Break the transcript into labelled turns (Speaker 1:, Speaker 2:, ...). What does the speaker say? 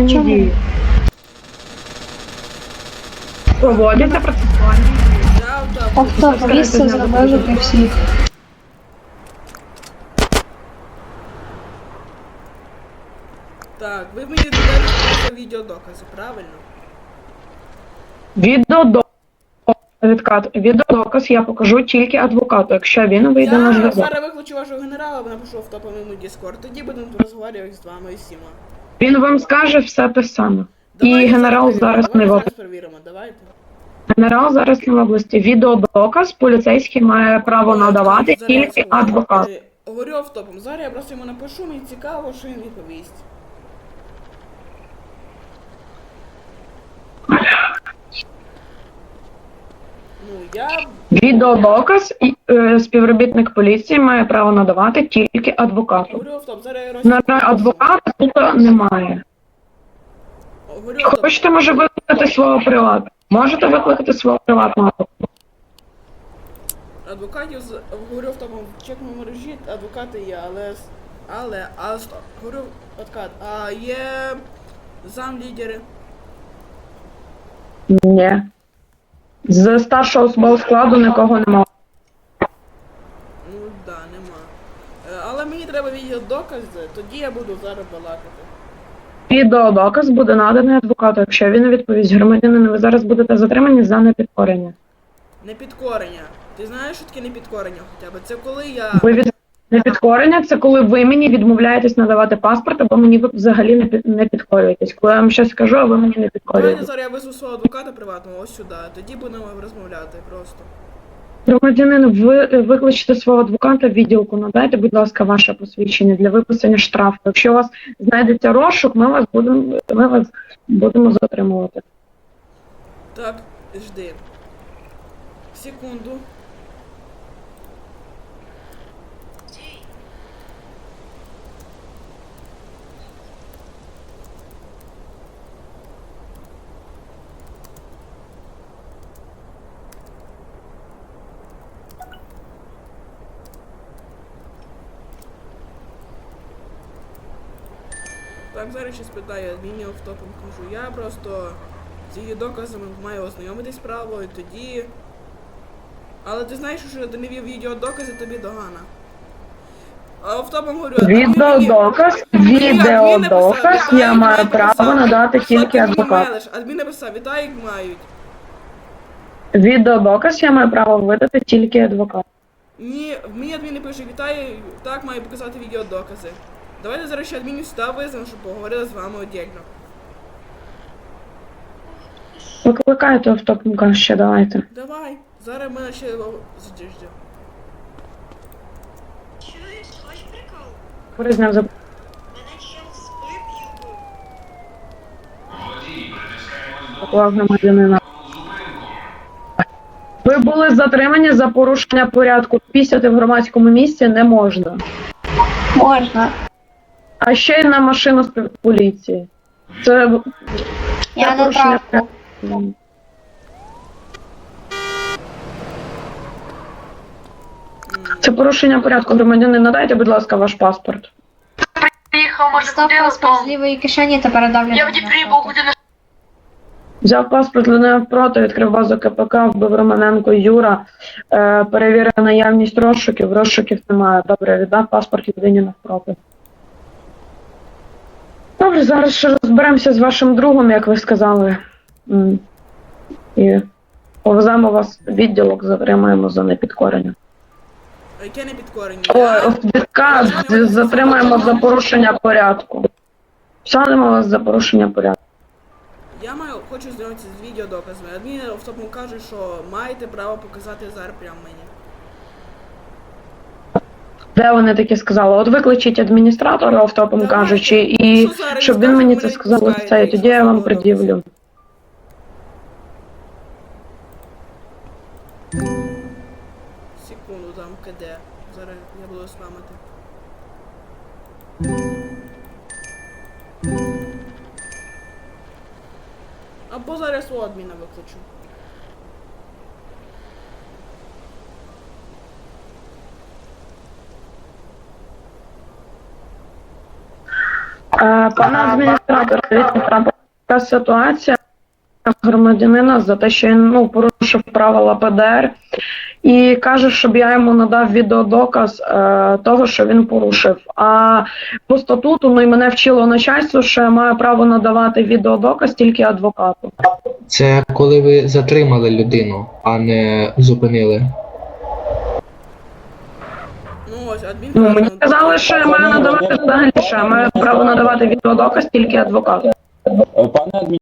Speaker 1: процесуальні дії. Проводяться процесуальні дії.
Speaker 2: Тобто місце залежить від всіх.
Speaker 3: Так, ви мені додали відеодокази, правильно?
Speaker 1: Відеодоказ я покажу тільки адвокату, якщо він вийде на
Speaker 3: Я
Speaker 1: зв'язок.
Speaker 3: зараз виключу вашого генерала, напишу в топовому Discord, тоді будемо розмовляти з вами і всіма.
Speaker 1: Він вам скаже все те саме.
Speaker 3: Давайте
Speaker 1: І генерал зараз не в
Speaker 3: зараз
Speaker 1: області.
Speaker 3: перевіримо, давайте.
Speaker 1: Генерал зараз не в області. Відеодоказ поліцейський має право надавати
Speaker 3: Зараз
Speaker 1: тільки
Speaker 3: я скажу.
Speaker 1: адвокат.
Speaker 3: Говорю автопом, зараз я просто йому напишу, мені цікаво, що він відповість. Ну, я...
Speaker 1: Відеодоказ співробітник поліції має право надавати тільки адвокату.
Speaker 3: Говорю автоп, зараз я
Speaker 1: На адвоката тут немає.
Speaker 3: Говорю автоп.
Speaker 1: Хочете, може, викликати свого приватного? Можете викликати свого приватного адвоката?
Speaker 3: Адвокатів, говорю автопом, в чекному мережі адвокати є, але, стоп, говорю адвокат, а є замлідери?
Speaker 1: Ні. З старшого особового складу нікого немає.
Speaker 3: Ну, да, нема. Але мені треба відеодокази, тоді я буду зараз балакати.
Speaker 1: Відеодоказ буде наданий адвокату, якщо він не відповість громадянину, ви зараз будете затримані за непідкорення.
Speaker 3: Непідкорення. Ти знаєш, що таке непідкорення хоча б? Це коли я...
Speaker 1: Непідкорення – це коли ви мені відмовляєтесь надавати паспорт, або мені ви взагалі не підкорюєтесь. Коли я вам щось скажу, а ви мені не
Speaker 3: Давайте
Speaker 1: підкорюєтесь.
Speaker 3: зараз я визву свого адвоката приватного ось сюди, тоді будемо розмовляти просто.
Speaker 1: Громадянин, ви викличте свого адвоката в відділку, надайте, будь ласка, ваше посвідчення для виписання штрафу. Якщо у вас знайдеться розшук, ми вас будемо затримувати.
Speaker 3: Так, жди. Секунду. Так, зараз ще спитаю адмінів автопом кажу. Я просто з її доказами маю ознайомитись справою, тоді... Але ти знаєш, що ти не вів відеодокази, тобі догана. А автопом говорю...
Speaker 1: Відеодоказ, я маю право надати тільки адвокату.
Speaker 3: Адмін написав, Віталік мають.
Speaker 1: Відеодоказ я маю право видати тільки адвокату.
Speaker 3: Ні, мені адмін не пише, Віталій так має показати відеодокази. Давайте зараз ще адмінів сюди визвемо, щоб поговорили з вами отдельно.
Speaker 1: Викликайте автопника ще, давайте.
Speaker 3: Давай, зараз ми ще... Жди.
Speaker 4: Чуєш, хоч прикол?
Speaker 1: Призняв за...
Speaker 4: Мене чел спив і вбив.
Speaker 1: поклав громадянина. Ви були затримані за порушення порядку. Пісяти в громадському місці не можна.
Speaker 2: Можна.
Speaker 1: А ще й на машину з поліції. Це
Speaker 2: Я на
Speaker 1: порушення
Speaker 2: травку.
Speaker 1: порядку. Це порушення порядку. Громадянин, надайте, будь ласка, ваш паспорт.
Speaker 5: Приїхав, може,
Speaker 2: Став
Speaker 5: куди
Speaker 2: паспорт з лівої кишені та передав
Speaker 5: Я в Дніпрі був годину.
Speaker 1: Взяв паспорт Леонід навпроти, відкрив базу КПК, вбив Романенко Юра, перевірив наявність розшуків, розшуків немає. Добре, віддав паспорт людині навпроти. Добре, зараз ще розберемося з вашим другом, як ви сказали. І повеземо вас в відділок, затримаємо за непідкорення.
Speaker 3: Яке непідкорення?
Speaker 1: Ой, відказ, затримаємо за порушення порядку. Садимо вас за порушення порядку.
Speaker 3: Я хочу знайомитися з відеодоказами. Адмін автопом каже, що маєте право показати зараз прямо мені.
Speaker 1: Де вони таке сказали? От викличіть адміністратора, автопом
Speaker 3: Давайте.
Speaker 1: кажучи, і
Speaker 3: Що зараз
Speaker 1: щоб він
Speaker 3: скажуть,
Speaker 1: мені
Speaker 3: мене
Speaker 1: це сказав
Speaker 3: відпускаєте,
Speaker 1: лице, і тоді я вам
Speaker 3: якщо
Speaker 1: пред'явлю.
Speaker 3: Секунду, там КД. Зараз я буду спамити. Або зараз у адміна викличу.
Speaker 1: Пане адміністратор, дивіться, трапила така ситуація громадянина за те, що він порушив правила ПДР і каже, щоб я йому надав відеодоказ того, що він порушив. А по статуту і мене вчило начальство, що я маю право надавати відеодоказ тільки адвокату.
Speaker 6: Це коли ви затримали людину, а не зупинили.
Speaker 3: Ну ось, адмін
Speaker 1: Мені сказали, що я маю надавати взагалі, що я маю право надавати відеодоказ тільки адвокату.
Speaker 7: Пане